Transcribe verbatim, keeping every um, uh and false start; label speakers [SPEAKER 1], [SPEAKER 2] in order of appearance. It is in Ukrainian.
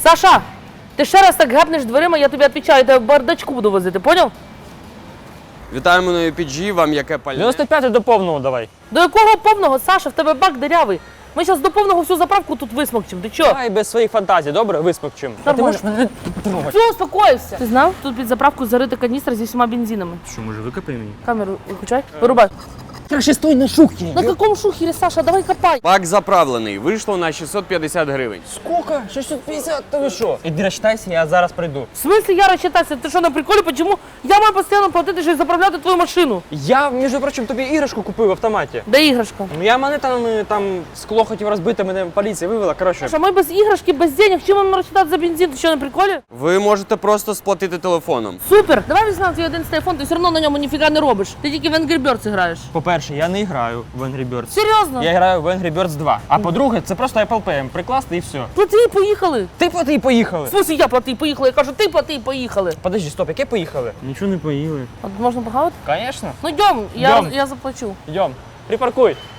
[SPEAKER 1] Саша, ти ще раз так гепнеш дверима, я тобі відповідаю, я тебе в бардачку буду возити, поняв?
[SPEAKER 2] Вітаємо на пі джі, вам яке пальне?
[SPEAKER 3] дев'яносто п'ятий до повного давай.
[SPEAKER 1] До якого повного, Саша, в тебе бак дирявий. Ми зараз до повного всю заправку тут висмокчим. Ти чо?
[SPEAKER 3] Давай без своїх фантазій, добре? Висмокчим. А ти
[SPEAKER 1] Нормально.
[SPEAKER 3] можеш мене трогати?
[SPEAKER 1] Все, успокоївся. Ти знав? Тут під заправку зарита каністра зі всіма бензинами.
[SPEAKER 3] Що, може викопай мені?
[SPEAKER 1] Камеру виключай. Вирубай.
[SPEAKER 3] Краще стой на шухері.
[SPEAKER 1] На якому шухері, Саша? Давай копай.
[SPEAKER 2] Бак заправлений, вийшло на шістсот п'ятдесят гривень.
[SPEAKER 3] Сколько? шістсот п'ятдесят? Та ви що? Іди розчитайся, я зараз прийду.
[SPEAKER 1] В смысле я розчитайся? Ти що, на приколі? Почему я маю постійно платити, щоб заправляти твою машину?
[SPEAKER 3] Я, між прочим, тобі іграшку купив в автоматі.
[SPEAKER 1] Де іграшка?
[SPEAKER 3] Ну, Я мене там, е, там скло хотів розбити, мене поліція вивела, коротше.
[SPEAKER 1] Саша, ми без іграшки, без денег. Чим нам розчитати за бензин? Ти що, на приколі?
[SPEAKER 2] Ви можете просто сплатити телефоном.
[SPEAKER 1] Супер! Давай візьмемо твій один телефон, ти все одно на ньому ніфіга не робиш. Ти тільки в Angry Birds граєш.
[SPEAKER 3] По-перше, я не граю в Angry Birds.
[SPEAKER 1] Серйозно?
[SPEAKER 3] Я граю в Angry Birds два. А по-друге, це просто Apple Pay, прикласти і все.
[SPEAKER 1] Плати і поїхали.
[SPEAKER 3] Ти плати і поїхали.
[SPEAKER 1] В смысле я плати і поїхали? Я кажу, ти плати і поїхали.
[SPEAKER 3] Подожди, стоп, яке поїхали? Нічого не поїли.
[SPEAKER 1] А можна погавати?
[SPEAKER 3] Конечно.
[SPEAKER 1] Ну йдем, я,
[SPEAKER 3] Йдем.
[SPEAKER 1] я заплачу.
[SPEAKER 3] Йдем, припаркуй.